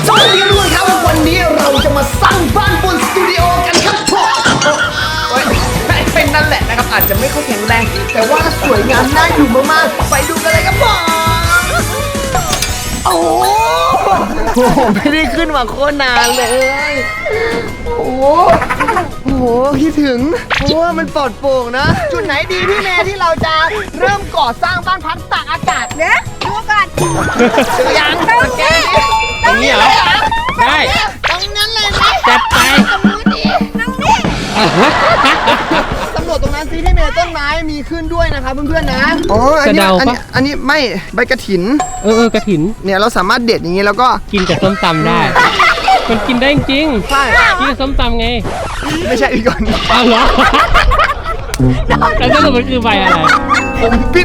สวัสดีทุกคนครับวันนี้เราจะมาสร้างบ้านบนสตูดิโอกันครับผมเป็นนั่นแหละนะครับอาจจะไม่ค่อยแข็งแรงแต่ว่าสวยงามน่าอยู่มากๆไปดูกันเลยครับผมโอ้โหไม่ได้ขึ้นมาโคตรนานเลยโอ้โหคิดถึงเพราะว่ามันปลอดโปร่งนะจุดไหนดีพี่แม่ที่เราจะเริ่มก่อสร้างบ้านพักตากอากาศเนี่ยดูกันเจอยังตรงนี้เหรอได้ตรงนั้นเลยไหมจัดไปตรงนี้ตำรวจตรงนั้นซิที่เมย์ต้นไม้มีขึ้นด้วยนะครับเพื่อนๆนะอ๋ออันนี้ไม่ใบกระถินกระถินเนี่ยเราสามารถเด็ดอย่างนี้แล้วก็กินกับส้มตำได้มันกินได้จริงใช่กินกับส้มตำไงไม่ใช่อีกก่อนอ้าวเหรอแล้วสรุปมันคือใบอะไรผมปิด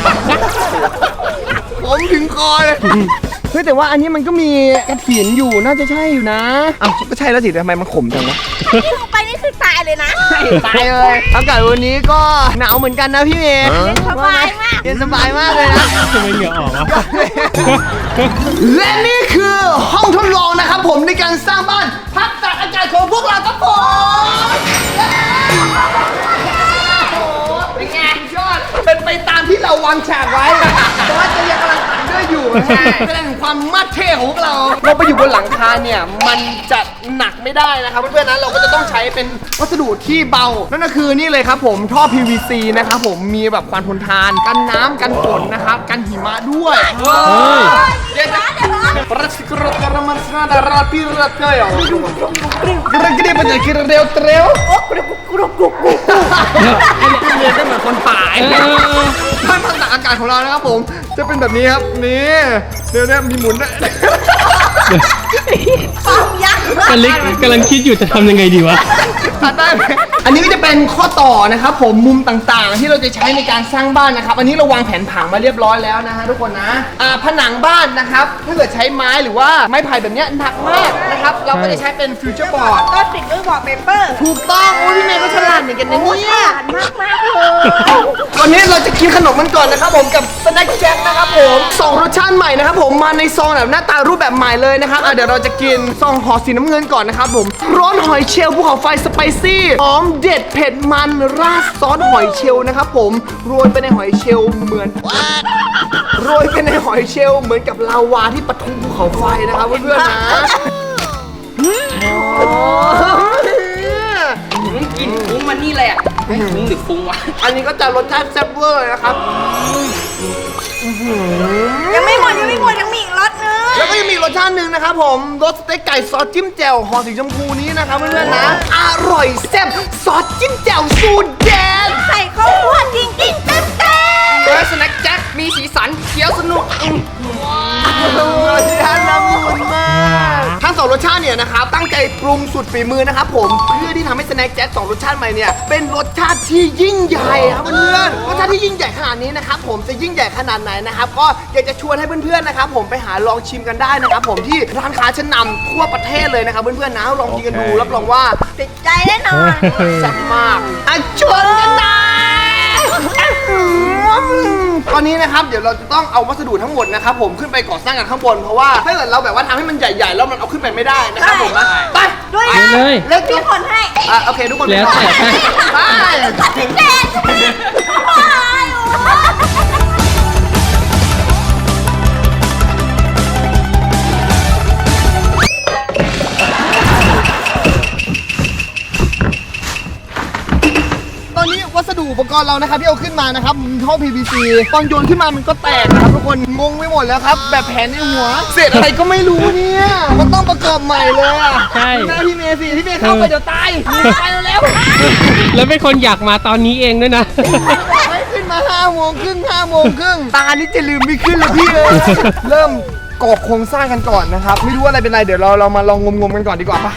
ผมถึงคอเลยเฮ้ยแต่ว่าอันนี้มันก็มีกระถินอยู่น่าจะใช่อยู่นะอ้าวก็ใช่แล้วสิทำไมมันขมจังวะที่ลงไปนี่คือตายเลยนะตายเลยอากาศวันนี้ก็หนาวเหมือนกันนะพี่เมย์เย็นสบายมากเย็นสบายมากเลยนะทำไมเหงื่อออกวะและนี่คือห้องทดลองนะครับผมในการสร้างบ้านพักตากอากาศของพวกเราครับผมเป็นไงยอดเป็นไปตามที่เราวางฉากไว้แต่ว่าจะยังกำลังตัดด้วยอยู่แสดงถึงความมัดเท่ของพวกเราไปอยู่บนหลังคาเนี่ยมันจะหนักไม่ได้นะครับเพื่อนๆนะเราก็จะต้องใช้เป็นวัสดุที่เบานั่นก็คือนี่เลยครับผมท่อ PVC นะครับผมมีแบบความทนทานกันน้ำกันฝนนะครับกันหิมะด้วยเดี๋ยวรัสกรดการมันสนาดาราพิรัตเกยกระดิ่งมันจะกินเร็วเร็วอันนี้เป็นเหมือนคนป่าบ้านพักตากอากาศของเรานะครับผมจะเป็นแบบนี้ครับนี่เดี๋ยวนี้มีหมุนด้วยกำลังคิดอยู่จะทำยังไงดีวะได้ไหมอันนี้ก็จะเป็นข้อต่อนะครับผมมุมต่างๆที่เราจะใช้ในการสร้างบ้านนะครับอันนี้เราวางแผนผังมาเรียบร้อยแล้วนะฮะทุกคนนะผนังบ้านนะครับถ้าเกิดใช้ไม้หรือว่าไม้ไผ่แบบนี้หนักมากนะครับเราก็จะใช้เป็นฟิวเจอร์บอร์ดก็ติดด้วยบอร์ดเปเปอร์ถูกต้องโอ้พี่เมย์ก็ฉลาดเหมือนกันนะเนี่ยฉลาดมากเลยวันนี้เราจะกินขนมมันก่อนนะครับผมกับสแน็คแจ็คนะครับผม2รสชาติใหม่นะครับผมมาในซองแบบหน้าตารูปแบบใหม่เลยนะครับเดี๋ยวเราจะกินซองห่อสีน้ำเงินก่อนนะครับผมร้อนหอยเชลล์ภูเขาไฟสไปซี่หอมเด็ดเผ็ดมันราดซอสหอยเชลล์นะครับผมโรยไปในหอยเชลล์เหมือนกับลาวาที่ปะทุภูเขาไฟนะครับเพื่อนๆนะกินฟุ้งมันนี่เลยอ่ะฟุ้งหรือฟุ้งวะอันนี้ก็จะรสชาติแซ่บเวอร์นะครับยังไม่หมดยังมีอีกรสนึงแล้วก็ยังมีรสชาติหนึ่งนะครับผมรสสเต็กไก่ซอสจิ้มแจ่วห่อสีชมพูนี้นะครับเพื่อนๆนะอร่อยแซ่บซอสจิ้มแจ่วสูตรเด็ดใส่ข้าวคั่วจริงเต็มและสแน็คแจ็คมีสีสันเคี้ยวสนุกรสชาติละมุนมากทั้ง2รสชาติเนี่ยนะครับตั้งใจปรุงสุดฝีมือนะครับผมเพื่อที่ทำให้สแน็คแจ็ค2รสชาติใหม่เนี่ยเป็นรสชาติที่ยิ่งใหญ่ครับเพื่อนรสชาติที่ยิ่งใหญ่ขนาดนี้นะครับผมจะยิ่งใหญ่ขนาดไหนนะครับก็อยากจะชวนให้เพื่อนๆนะครับผมไปหาลองชิมกันได้นะครับผมที่ร้านค้าชั้นนำทั่วประเทศเลยนะครับเพื่อนๆนะลองกินกันดูรับรองว่าติดใจแน่นอนแซ่บมากชวนกันได้ตอนนี้นะครับเดี๋ยวเราจะต้องเอาวัสดุทั้งหมดนะครับผมขึ้นไปก่อสร้างกันข้างบนเพราะว่าถ้าเกิดเราแบบว่าทำให้มันใหญ่ๆแล้วมันเอาขึ้นไปไม่ได้นะครับผมนะไปด้วยเลยเล็กทุกคนให้โอเคทุกคนแล้วแต่ไปวัสดุอุปกรณ์เรานะครับที่เอาขึ้นมานะครับท่อ PVC ตอนโยนขึ้นมามันก็แตกนะครับทุกคนงงไปหมดแล้วครับแบบแผนในหัวเศษอะไรก็ไม่รู้เนี่ยมันต้องประกอบใหม่เลยอ่ะใช่หน้าพี่เมย์สิพี่เมย์เข้าไปเดี๋ยวตายไปแล้วแล้วเป็นคนอยากมาตอนนี้เองด้วยนะไม่ขึ้นมา5 โมงครึ่งตานี่จะลืมไม่ขึ้นเลยพี่เลยเริ่มก่อโครงสร้างกันก่อนนะครับไม่รู้อะไรเป็นไรเดี๋ยวเรามาลองงมกันก่อนดีกว่าป่ะ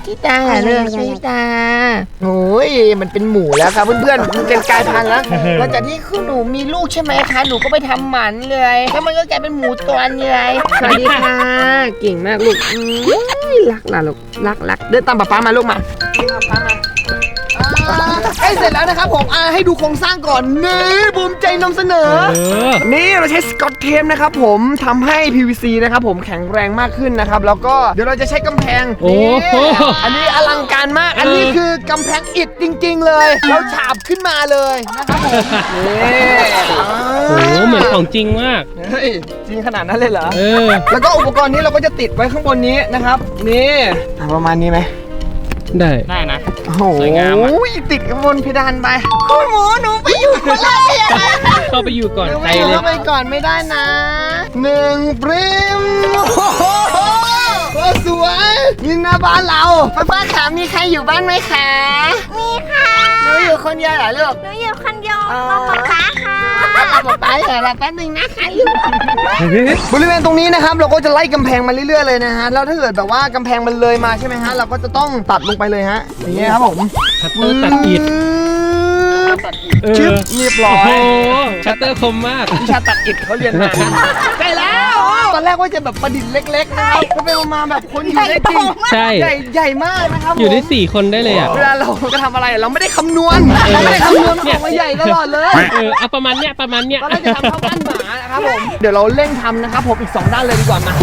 ชิตาเลือกชิตาโอ้ยมันเป็นหมูแล้วครับเพื่อนๆมันเป็นกลายพันธุ์แล้วหลังจากที่คือหนูมีลูกใช่ไหมคะหนูก็ไปทำหมันเลยแล้วมันก็กลายเป็นหมูตัวนี้เลยสวัสดีค่ะเก่งมากลูกรักล่ะลูกรักเดินตามป๊ามาลูกมาป๊ามาใกล้เสร็จแล้วนะครับผมให้ดูโครงสร้างก่อนนี่ภูมิใจนำเสนอ นี่เราใช้สกอตเทปนะครับผมทำให้ PVC นะครับผมแข็งแรงมากขึ้นนะครับแล้วก็เดี๋ยวเราจะใช้กำแพงโอ้นี่โหอันนี้อลังการมากอันนี้คือกำแพงอิฐจริงๆเลยเราฉาบขึ้นมาเลยนะครับผมนี่โอ้โหเหมือนของจริงมากเฮ้ยจริงขนาดนั้นเลยเหรอ แล้วก็อุปกรณ์นี้เราก็จะติดไว้ข้างบนนี้นะครับนี่ประมาณนี้ไหมได้นะโอ้โหสวยงามอะติดกับบนเพดานไปคุณหมูหนูไปอยู่คนแรกเข้าไปอยู่ก่อนหนูใคไปรอยู่เลยเข้าไปก่อนไม่ได้นะ1 ปริมโอ้โหสวยยิงหน้าบ้านเราป้าขามีใครอยู่บ้านไหมคะมีค่ะหนูอยู่คนเดียวเหรอลูกหนูอยู่คนเดียวกับป๊าป๊าค่ะป๊าเหรอแป๊บนึงนะคะลูกบริเวณตรงนี้นะครับเราก็จะไล่กำแพงมาเรื่อยๆเลยนะฮะแล้วถ้าเกิดแบบว่ากำแพงมันเลยมาใช่ไหมฮะเราก็จะต้องตัดลงไปเลยฮะอย่างเงี้ยครับผมชัตเตอร์ตัดอิฐชึบเรียบร้อโอ้ยโหชัตเตอร์คมมากวิชาตัดอิฐเขาเรียนมาใช่แล้วตอนแรกว่าจะแบบประดิษฐ์เล็กๆนะครับก็ไปมาแบบคนอยู่ได้จริงใช่ใหญ่มากนะครับผมอยู่ได้4 คนได้เลยอ่ะเวลาเราจะทำอะไรเราไม่ได้คำนวณเราไม่ได้คำนวณมันออกมาใหญ่ตลอดเลยเอาประมาณเนี้ยตอนแรกจะทำเท่าบ้านหมานะครับผมเดี๋ยวเราเร่งทำนะครับผมอีก2ด้านเลยดีกว่ามา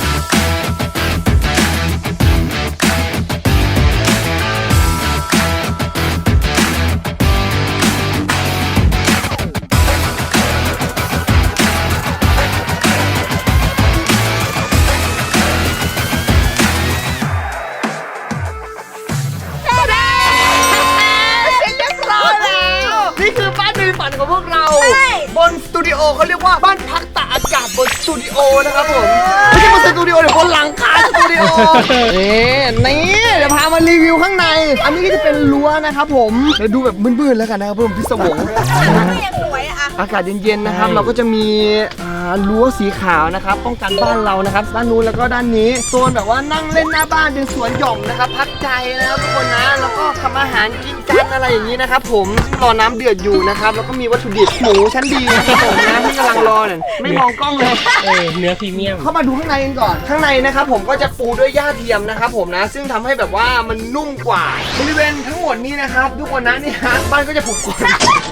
นี่คือบ้านในฝันของพวกเราบนสตูดิโอเขาเรียกว่าบ้านพักตากอากาศบนสตูดิโอนะครับผมไม่ใช่บนสตูดิโอเดี๋ยวบนหลังคาสตูดิโอนี่เดี๋ยวพามารีวิวข้างในอันนี้ก็จะเป็นรั้วนะครับผมเดี๋ยวดูแบบมืดๆแล้วกันนะครับผมพิศวงไม่ยังสวยอะอากาศเย็นๆนะครับเราก็จะมีรั้วสีขาวนะครับป้องกันบ้านเรานะครับด้านนู้นแล้วก็ด้านนี้โซนแบบว่านั่งเล่นหน้าบ้านเป็นสวนหย่อมนะครับพักใจนะครับทุกคนนะแล้วก็ทำอาหารกินกันอะไรอย่างนี้นะครับผมซึ่งรอน้ำเดือดอยู่นะครับแล้วก็มีวัตถุดิบหมูชั้นดีนะครับผมนะที่กำลังรอเนี่ยไม่มองกล้องเลยเนื้อพรีเมียมเข้ามาดูข้างในกันก่อนข้างในนะครับผมก็จะปูด้วยหญ้าเทียมนะครับผมนะซึ่งทำให้แบบว่ามันนุ่มกว่าบริเวณทั้งหมดนี้นะครับทุกคนนะนี่ฮะบ้านก็จะผูกกน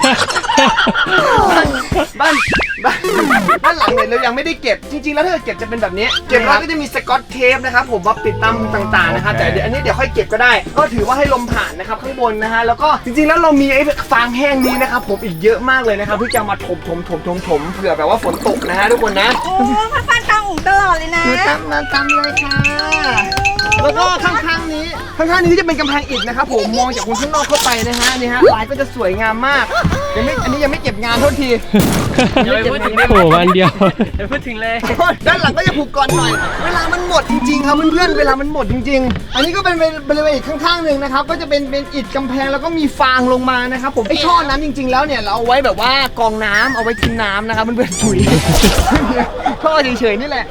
บ้านหลังเนี่ยเรายังไม่ได้เก็บจริงๆแล้วถ้าเก็บจะเป็นแบบนี้เก็บแล้วก็จะมีสกอตเทปนะครับผมมาปิดตามต่างๆนะครับแต่เดี๋ยวอันนี้เดี๋ยวค่อยเก็บก็ได้ก็ถือว่าให้ลมผ่านนะครับข้างบนนะฮะแล้วก็จริงๆแล้วเรามีไอ้ฟางแห้งนี้นะครับผมอีกเยอะมากเลยนะครับที่จะมาถมเผื่อแบบว่าฝนตกนะฮะทุกคนนะโอ้พันตามอู่ตลอดเลยนะตามเลยค่ะแล้วก็ข้างๆนี้ก็จะเป็นกำแพงอิฐนะครับผมมองจากคนข้างนอกเข้าไปนะฮะนี่ฮะลายก็จะสวยงามมากอันนี้ยังไม่เก็บงานโทษทีโอ้โหวันเดียวพูดถึงเลยด้านหลังก็จะผูกก่อนหน่อยเวลามันหมดจริงๆครับเพื่อนๆเวลามันหมดจริงๆอันนี้ก็เป็นบริเวณอีกข้างๆหนึ่งนะครับก็จะเป็นอิฐกำแพงแล้วก็มีฟางลงมานะครับผมไอ้ท่อนั้นจริงๆแล้วเนี่ยเราเอาไว้แบบว่ากองน้ำเอาไว้กินน้ำนะครับเพื่อนๆถุยท่อเฉยๆนี่แหละ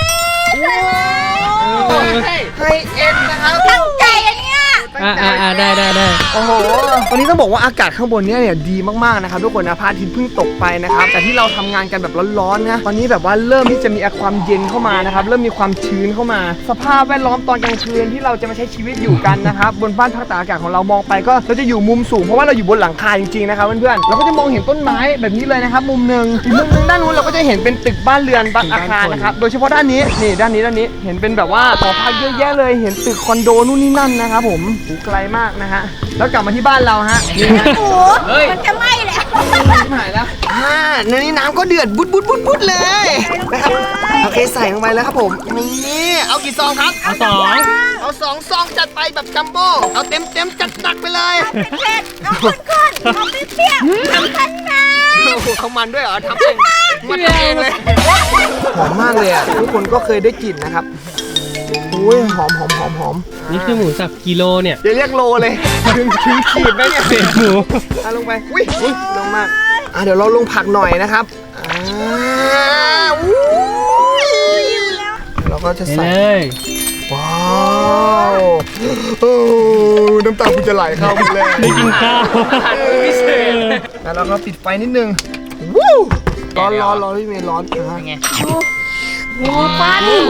ไฮเอ็นนะครับตั้งใจอันเนี้ยได้โอ้โหวันนี้ต้องบอกว่าอากาศข้างบนเนี่ยดีมากๆนะครับทุกคนนะพระอาทิตย์เพิ่งตกไปนะครับแต่ที่เราทำงานกันแบบร้อนๆนะตอนนี้แบบว่าเริ่มที่จะมีความเย็นเข้ามานะครับเริ่มมีความชื้นเข้ามา สภาพแวดล้อมตอนกลางคืนที่เราจะมาใช้ชีวิตอยู่กันนะครับบนบ้านพักตากอากาศของเรามองไปก็เราจะอยู่มุมสูงเพราะว่าเราอยู่บนหลังคาจริงๆนะครับเพื่อนๆเราก็จะมองเห็นต้นไม้แบบนี้เลยนะครับมุมหนึ่งอีกมุมหนึ่งด้านนู้นเราก็จะเห็นเป็นตึกบ้านเรือนบ้านอาคารนะครับโดยเฉพาะด้านนี้นี่ด้านนี้เห็นเป็นแบบว่าหอพักเยอะแยะเลยเห็นตึกคอนโดนู่นนี่นั่นนะครับผมไกลมากนะฮะแล้วกลับมาที่บ้านเราฮะนี่ฮะโอ้โหมันจะไหม้แล้วหายแล้วในนี้น้ำก็เดือดบุดเลยนะครับโอเคใส่ลงไปแล้วครับผมนี่เอากี่ซองครับเอา2 ซองจัดไปแบบจัมโบ้เอาเต็มจัดหนักไปเลยเผ็ดเอาข้นๆเอาเปรี้ยวๆเอาคันนาโอ้โหเขามันด้วยเหรอทำเองมันทำเองเลยหอมมากเลยอ่ะทุกคนก็เคยได้กลิ่นนะครับอุ้ยหอมนี่คือหมูสับกิโลเนี่ยอย่าเรียกโลเลยถึงขีดไหมเนี่ยเศษหมูลงไปอุ้ยลงมากเดี๋ยวเราลงผักหน่อยนะครับเราก็จะไปใส่เลยว้าวโอ้น้ำตาคุณจะไหลเข้าหมดเลยได้กินข้าวพิเศษแล้วเราก็ปิดไฟนิดนึงวู้ร้อนพี่เมย์ร้อนนะไงหมูฟันหมู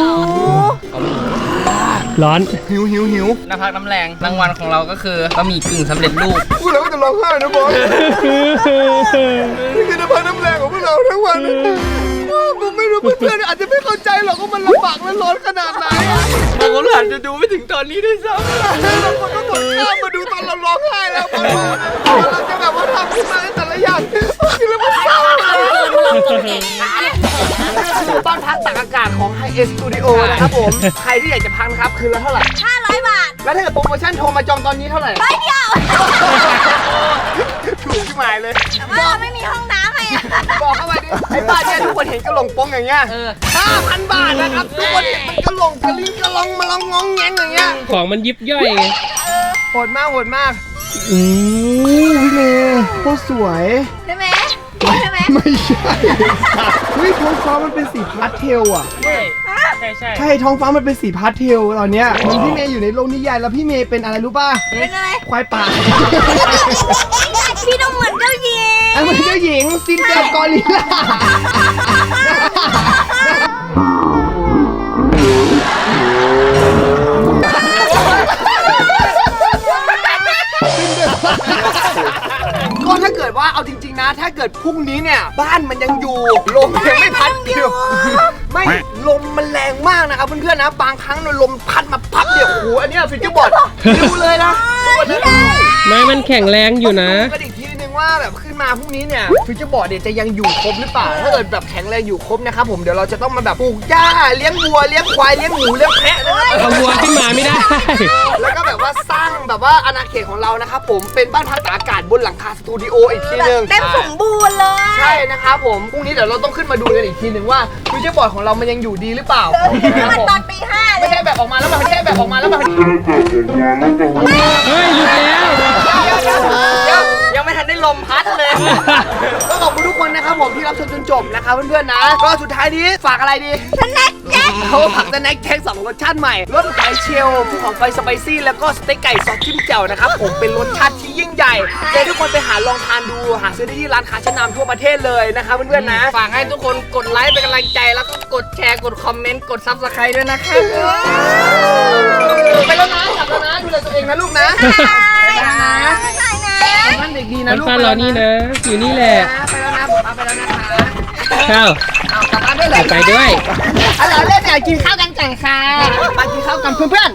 ร้อนหิวน้ำพักน้ำแรงรางวัลของเราก็คือบะหมี่กึ่งสำเร็จรูปพวกเราก็จะร้องไห้นะบอสนี่คือน้ำพักน้ำแรงของพวกเราทั้งวันผมไม่รู้เพื่อนๆอาจจะไม่เข้าใจหรอกว่ามันลำบากและร้อนขนาดไหนบางคนอาจจะดูไม่ถึงตอนนี้ด้วยซ้บางคนก็กดข้ามมาดูตอนเราร้องไห้แล้วเราจะแบบว่าทำขึ้นมาแต่ละอย่างคือแล้วมันเศร้าบ้านพักตากอากาศของ Hi S Studio นะครับผมใครที่อยากจะพักนะครับคืนละเท่าไหร่ 500 บาทแล้วถ้าเกิดโปรโมชั่นโทรมาจองตอนนี้เท่าไหร่ร้อยเดียวถูกที่หมายเลยแต่ว่าเราไม่มีห้องน้ำให้อะบอกเข้ามาดิไอ้บ้านเนี่ยทุกคนเห็นกระหลงโป้งอย่างเงี้ย 5,000 บาทนะครับทุกคนเห็นมันกระหลงกระลิ้งกระลองมาลองงองแงงอย่างเงี้ยของมันยิบย่อยไงโหดมากพี่เมย์โคตรสวยใช่ไหมใช่ไหมไม่ใช่เฮ้ยท้องฟ้ามันเป็นสีพาสเทลอ่ะำใช่ใช่ใช่ท้องฟ้ามันเป็นสีพาสเทลตอนเนี้ยเหมือนพี่เมย์อยู่ในโลกนิยายแล้วพี่เมย์เป็นอะไรรู้ป่ะเป็นอะไรควายป่าพี่ต้องเหมือนเจ้าหญิงไอ้เหมือนเจ้าหญิงซินเดอเรลกอริลล่าก็ถ้าเกิดว่าเอาจริงๆนะ ถ้าเกิดพรุ่งนี้เนี่ยบ้านมันยังอยู่ลมยังไม่พัดเดียวไม่ลมมันแรงมากนะครับเพื่อนๆนะบางครั้งเนี่ยลมพัดมาพัดเดียวโอ้โหอันเนี้ยฟิวเจอร์บอร์ดดูเลยนะทุกคนนะไม่มันแข็งแรงอยู่นะก็อีกทีนึงว่าแบบขึ้นมาพรุ่งนี้เนี่ยฟิวเจอร์บอร์ดเนี่ยจะยังอยู่ครบหรือเปล่าถ้าเกิดแบบแข็งแรงอยู่ครบนะครับผมเดี๋ยวเราจะต้องมาแบบปลูกหญ้าเลี้ยงวัวเลี้ยงควายเลี้ยงหมูเลี้ยงแพะนะครับเอาวัวขึ้นมาไม่ได้แล้วก็แบบว่าสร้างแบบว่าอาณาเขตของเรานะครับผมเป็นบ้านพักตากอากาศบนหลังคาสตูดิโออีกทีนึงเต็มสมบูรณ์เลยใช่นะครับผมพรุ่งนี้เดี๋ยวเราต้องขึ้นมาดูกันอีกทีนึงว่าฟิวเจอร์บอร์ดของเรามันยังอยู่ดีหรือเปล่ามันตอนตี 5 เลไม่ยใช่แบบออกมาแล้วไม่ใช่แบบออกมาแล้วแบบเฮ้ยหยุดแล้วยังไม่ทันได้ลมพัดเลยก็ขอบคุณทุกคนนะครับผมที่รับชมจนจบนะครับเพื่อนๆนะก็สุดท้ายนี้ฝากอะไรดีสแน็คแจ็คเขาผักสแน็คแท็ก2รสชาติใหม่รสหอยเชลล์ภูเขาไฟสไปซี่แล้วก็สเต็กไก่ซอสจิ้มแจ่วนะครับผมเป็นรสชาติที่ยิ่งใหญ่เดี๋ยวทุกคนไปหาลองทานดูหาซื้อได้ที่ร้านค้าชั้นนำทั่วประเทศเลยนะครับเพื่อนๆนะฝากให้ทุกคนกดไลค์เป็นกำลังใจแล้วก็กดแชร์กดคอมเมนต์กดซับสไครต์ด้วยนะครับไปแล้วนะกลับแล้วนะดูแลตัวเองนะลูกนะไปนะท่านเด็กดีนะมันลูกฟ้ารอนี่นะ อยู่นี่แหละไปแล้วนะผมไปแล้วนะคะข้าวเอากลับบ้านได้เลยไปด้วยเอาล่ะเล่นอยากกินข้าวกันก่อนค่ะมากินข้าวกันเพื่อน